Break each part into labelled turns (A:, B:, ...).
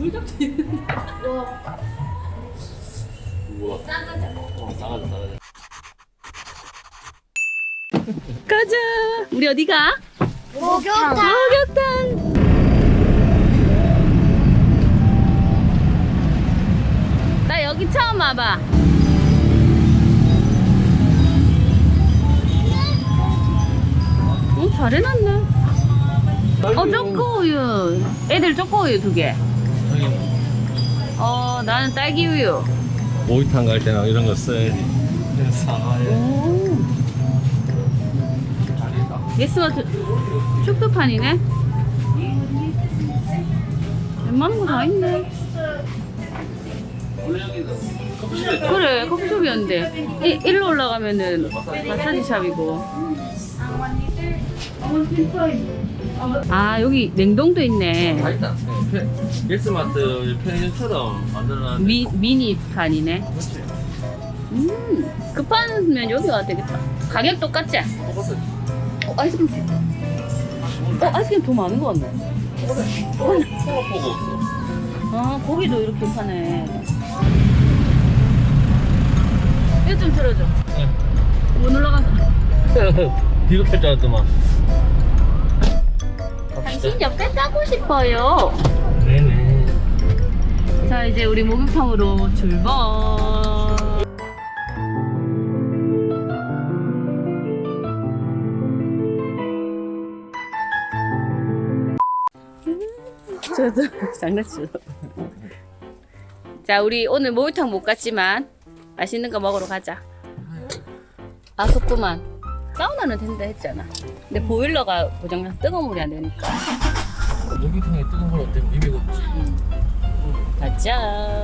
A: 불닭도 있는데.
B: 우와.
C: 싸가자.
B: 싸가자.
A: 가자. 우리 어디 가?
C: 목욕탕.
A: 목욕탕. 나 여기 처음 와봐. 잘 해놨네. 초코우유. 애들 초코우유 2개. 나는 딸기우유.
B: 모기탕 갈 때나 이런 거 써야지. 사과에.
A: 오. 예스마트 쇼핑판이네. 웬만한 거 다 있네. 그래, 커피숍이었는데. 일로 올라가면은 마사지 샵이고. 아, 여기 냉동도 있네.
B: 다 있다. 예스마트 편의점처럼 만들어놨는데.
A: 미니판이네. 급하면 여기 와야 되겠다. 가격 똑같지?
B: 똑같아.
A: 아이스크림. 아이스크림 더 많은 거 같네.
B: 통합보고 없어.
A: 아, 고기도 이렇게 파네. 이거 좀 들어줘.
B: 네.
A: 못 올라간다.
B: 뒤로 펼줄 알았더만.
A: 당신 옆에 따고 싶어요.
B: 네네.
A: 자, 이제 우리 목욕탕으로 출발. 저도 장난치러. 자, 우리 오늘 목욕탕 못 갔지만 맛있는 거 먹으러 가자. 아쉽구만. 사우나는 된다 했잖아. 근데 보일러가 고장나서 뜨거운 물이 안 되니까.
B: 목욕탕에 뜨거운 물 어때? 입에 곱지.
A: 가자.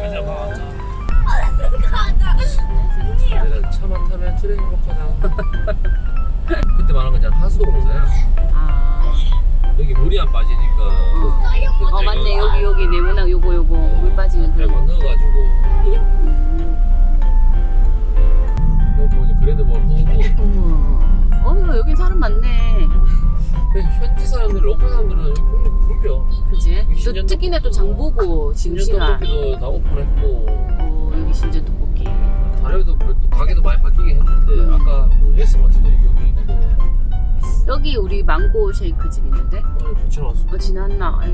B: 내가 차만 타면 트레인 먹거나. 그때 말한 거잖아. 하수도 공사야.
A: 아,
B: 여기 물이 안 빠지니까.
A: 맞네. 여기 네모난 요거 물 빠지는
B: 잘
A: 그런 거.
B: 넣어가지고. 여기 보니 그래도 뭐 후보.
A: 어머, 여긴 사람 많네.
B: 현지 사람들, 로컬 사람들은 여기 굶겨.
A: 그지? 또
B: 신전
A: 특히나 또 장보고
B: 신전
A: 징징아.
B: 떡볶이도 다 오픈했고.
A: 여기 신전 떡볶이.
B: 다른 또 가게도 많이 바뀌긴 했는데 아까 뭐 예스마트도 여기 있고.
A: 여기 우리 망고 쉐이크 집 있는데?
B: 붙여놨어.
A: 지났나? 아이.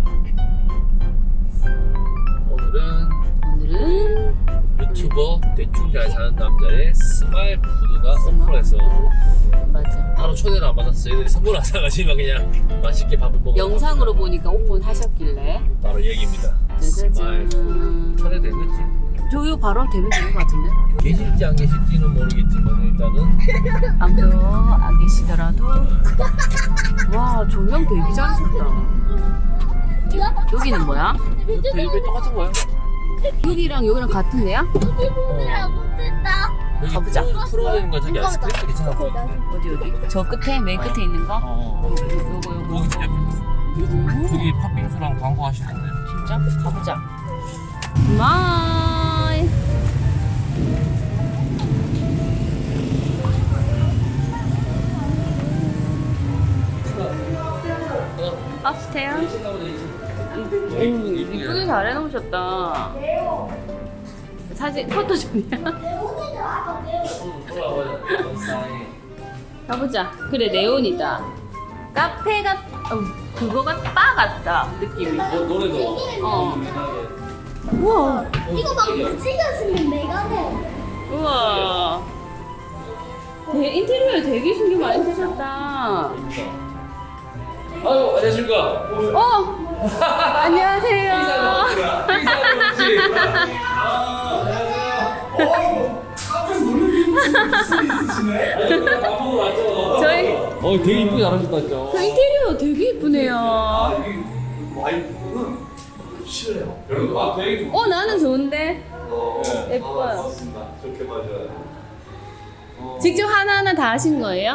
B: 오늘은 유튜버 대충 잘 사는 남자의 스마일 푸드가 오픈해서
A: 맞아.
B: 바로 초대를 안 받았어. 얘들이 선물 안 사가지고 그냥 맛있게 밥을 먹어.
A: 영상으로 보니까 오픈하셨길래.
B: 바로 얘기입니다. 스마일 푸드 초대됐겠지.
A: 저요 바로 되면 되는 것 같은데?
B: 계실지 안 계실지는 모르겠지만 일단은
A: 아무도 안 계시더라도. 와, 조명 되게 잘하셨다. 여기는 뭐야?
B: 벨벳 똑같은 거야.
A: 여기랑 같은 데야?
B: 여기
A: 가보자.
B: 풀어야 거 저기 아이스크림도 괜찮아 보이는데.
A: 어디? 저 끝에? 맨 끝에 있는 거? 요거.
B: 여기 팥빙수랑 광고 하시는데.
A: 진짜? 가보자. 마이. 업스테어. 이쁘게 잘 해놓으셨다. 사진 포토존이야? 가보자. 그래, 네온이다. 카페가 그거가 바 같다 느낌이.
B: 노래도.
A: 우와.
C: 이거 막 무지개 쓰면 메가네.
A: 우와. 인테리어에 되게 신경 많이 쓰셨다.
B: 아유, 안녕하십니까.
A: 안녕하세요. 저희
B: 되게 이쁘게 잘하셨다, 진짜.
A: 그 인테리어 되게 이쁘네요.
B: 되게
A: 나는 좋은데. 예뻐요.
B: 좋게 봐줘요.
A: 직접 하나하나 다 하신 거예요?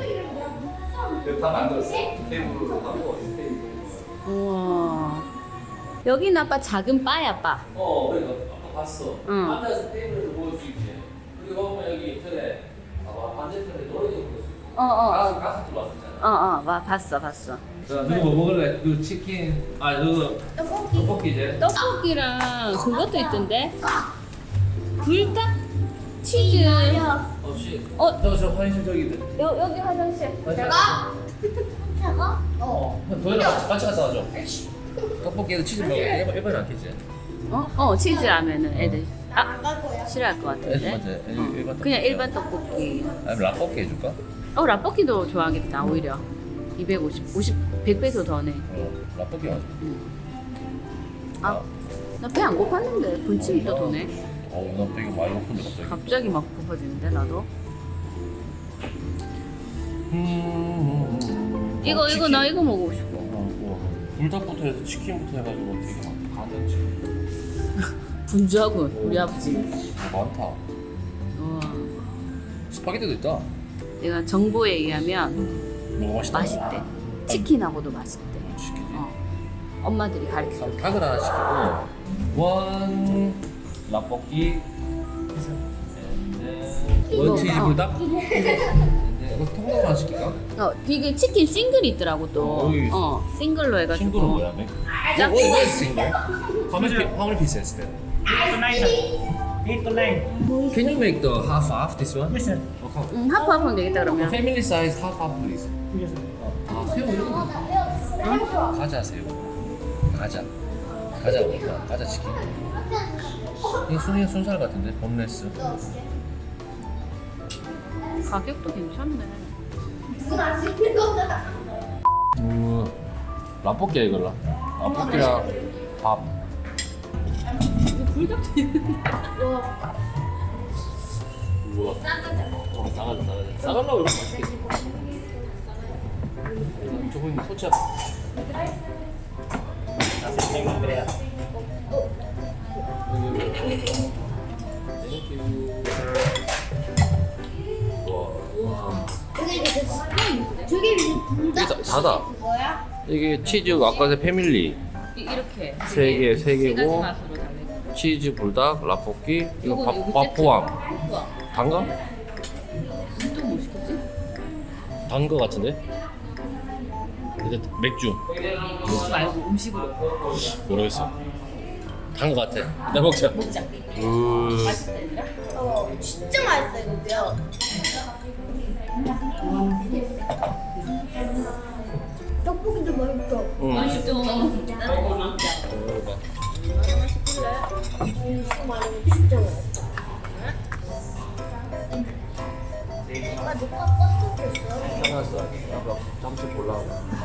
B: 다 만들었어요. 테이블로 하고 테이블.
A: 우와. 여기는 아빠 작은 바야, 바.
B: 그래, 아까 봤어.
A: 응.
B: 앉아서 테이블에서 먹을 수 있지. 그리고 보면 여기 전에 반대편에 노래도 부를 수 있고. 가수 들어왔었잖아.
A: 봤어.
B: 자, 누구 뭐 먹을래? 그 치킨. 아, 누구 떡볶이 이제.
A: 떡볶이랑 그것도 있던데. 불닭 치즈.
B: 없이.
A: 어.
B: 저 화장실 저기.
A: 여기 화장실.
C: 제가?
B: 도현아 같이 갔다 와줘. 떡볶이에도 치즈 먹어. 일반은 안 끼지.
A: 치즈 라면은 애들
C: 안갈 거야.
A: 싫어할 것 같은데.
B: 맞아. 일반
A: 그냥 일반 떡볶이.
B: 아니면 라볶이 해줄까?
A: 라볶이도 좋아하겠다 오히려. 100배도 더네.
B: 라볶이 맞아.
A: 나 배 안 고팠는데 분침이 또 도네.
B: 나 배가 많이 고픈데 갑자기.
A: 갑자기 막 고파지는데 나도. 이거 나 이거 먹고 싶어.
B: 불닭부터 해서 치킨부터 해가지고 되게 많지.
A: 분주하군 우리 아버지.
B: 많다.
A: 우와.
B: 스파게티도 있다.
A: 내가 정보에 의하면
B: 뭐가 맛있다.
A: 맛있대. 치킨하고도 맛있대.
B: 치킨이.
A: 엄마들이 가르쳐.
B: 닭을 하나 시키고 원 라볶이
A: 이거,
B: 원 치즈 불닭. 이거 통닭 하나 시킬까?
A: 이게 치킨 싱글이 있더라고 또.
B: 여기
A: 싱글로 해가지고.
B: 친구는 뭐야?
A: 짝-
B: What is single? How many pieces then?
D: 8 to 9.
B: Can you make the half this one?
D: Yes, sir.
B: Okay.
A: 하프하프면 되겠다 그러면.
B: Family size half please.
D: Yes, sir.
B: 새우 이런 거. 과자 새우. 과자 먹자. 과자 치킨. 이게 순살 같은데 boneless.
A: 가격도 괜찮네.
C: 무슨 맛있는 거다.
B: 라볶이야 이걸로. 라볶이랑 밥.
A: 이거 불닭도 있는데.
B: 우와. 싸가자. 싸가려고 이렇게 맛있겠지. 조금 소치야. 와.
C: 저게 불닭
B: 이게 다다.
C: 뭐야?
B: 이게 치즈 아까 패밀리
A: 이렇게
B: 세
A: 세 가지
B: 개고
A: 맛으로 달래.
B: 치즈 불닭 라볶이 이거
A: 요거
B: 밥 포함.
A: 우와.
B: 단가?
A: 또뭐 시켰지?
B: 단거 같은데? 이제 맥주
A: 먹지 말고 음식으로
B: 모르겠어. 단 거 같아. 나 먹자.
A: 먹자.
B: 우.
A: 맛있다 얘들아.
C: 진짜 맛있어 이거 뼈. 떡볶이도 맛있어.
B: 응.
A: 맛있죠.
C: 진짜 맛있어. 엄마 누가 껐어?
B: 괜찮았어. 아빠 잠시 볼라.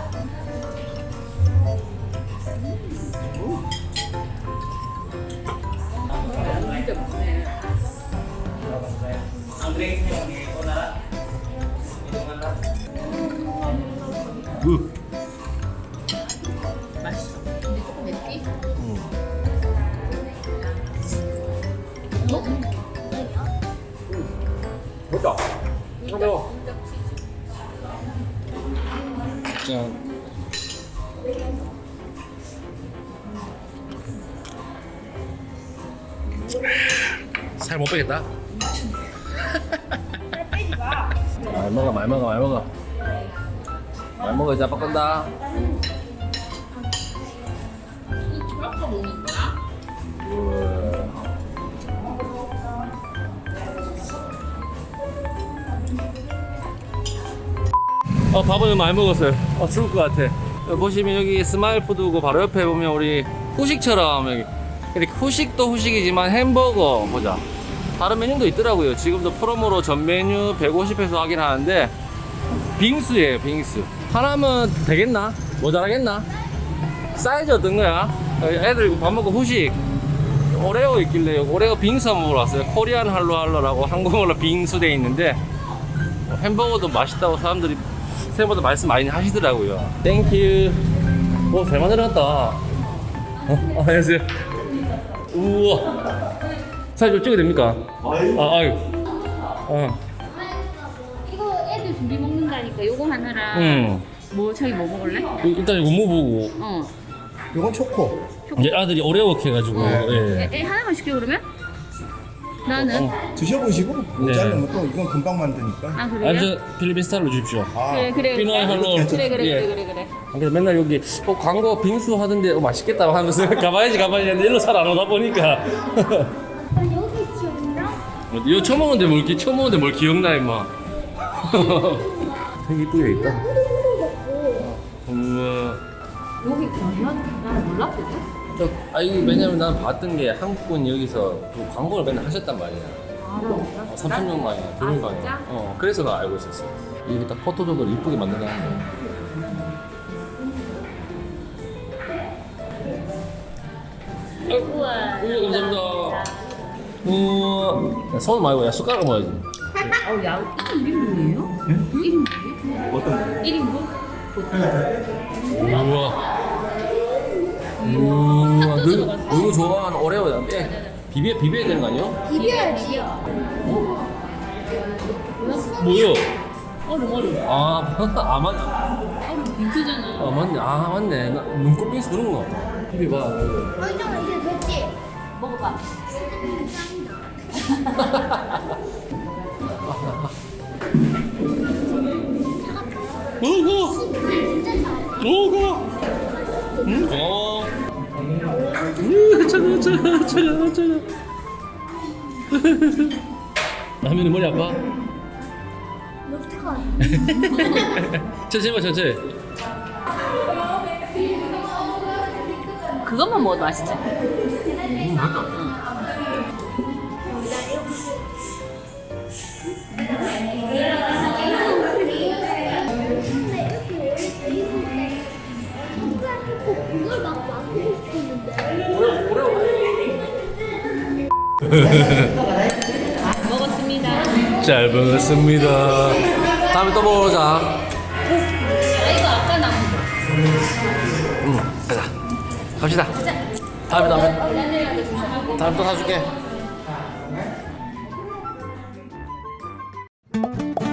A: 진짜 맛있네. 맛있어. 근데 조금 맵기?
B: 보자. 매워. 짠. 살 못 빼겠다. 말 먹어. 말 먹어 이제 아빠 건다.
A: 아까 먹는 거야?
B: 밥은 많이 먹었어요. 죽을 것 같아. 여기 보시면 여기 스마일 푸드고 바로 옆에 보면 우리 후식처럼 여기 이렇게 후식도 후식이지만 햄버거 보자. 다른 메뉴도 있더라고요. 지금도 프로모로 전 메뉴 150에서 하긴 하는데 빙수예요, 빙수. 하나면 되겠나? 모자라겠나? 사이즈 어떤 거야? 애들 밥 먹고 후식 오레오 있길래 오레오 빙수 한번 먹으러 왔어요. 코리안 할로라고 한국어로 빙수 돼 있는데 햄버거도 맛있다고 사람들이 생각보다 말씀 많이 하시더라고요. 땡큐. 오, 잘 만들어놨다. 안녕하세요. 우와. 사진 좀 찍어도 됩니까? 아유.
A: 이거 애들 둘이 먹는다니까 요거 하나랑 뭐 자기 뭐 먹을래?
B: 일단 이거 뭐 보고.
D: 이건 초코.
B: 이제 아들이 오레오 해가지고. 예.
A: 애 하나만 시켜 그러면? 나는?
E: 드셔보시고
B: 네.
E: 자르면 또 이건 금방 만드니까.
A: 아 그래요?
B: 아니 저 필리핀 스타일로 주십시오.
E: 아,
A: 그래
B: 피노의 할로.
A: 그래.
B: 그래서 맨날 여기 광고 빙수 하던데 맛있겠다 하면서 가봐야지 했는데 일로 잘 안 오다 보니까
C: 아, 여기 기억나?
B: 이거 처음 먹는데 뭘 기억나 임마. 되게 이쁘게 있다. 우와.
A: 여기 난 몰랐거든?
B: 이거 왜냐면 난 봤던 게 한국분 여기서 그 광고를 맨날 하셨단 말이야.
A: 알아.
B: 3,000명 만이야, 2명 만이야.
A: 진짜?
B: 그래서 나 알고 있었어. 이게 딱 포토존으로 이쁘게 만든다는 거.
A: 우와.
B: 감사합니다. 우와. 야, 손 말고 야 숟가락 먹어야지.
A: 야, 이게 뭐예요? 이름
E: 어떤
A: 1인분?
B: 우와. 너무 좋아하는 오레오야. 비벼야 되는 거 아니야?
C: 비벼야지.
B: 뭐요?
A: 얼음.
B: 아 맞네.
A: 얼음 빙수잖아.
B: 맞네. 맞네. 나 눈꽃 빙수 그런 거 같다. 비벼봐.
C: 얼짱아 이제 됐지?
A: 먹어봐.
B: 먹어. 차가. 라면이 머리 아파?
C: 녹차가
B: 천천히 봐, 천천히.
A: 그것만 먹어도 맛있지?
B: 맛있다.
C: 그걸 막 만들고 싶었는데.
A: 먹었습니다.
B: 잘 먹었습니다. 다음에 또 먹으러 오자.
A: 이거 아까 남은
B: 가자. 갑시다. 다음에 또 사줄게.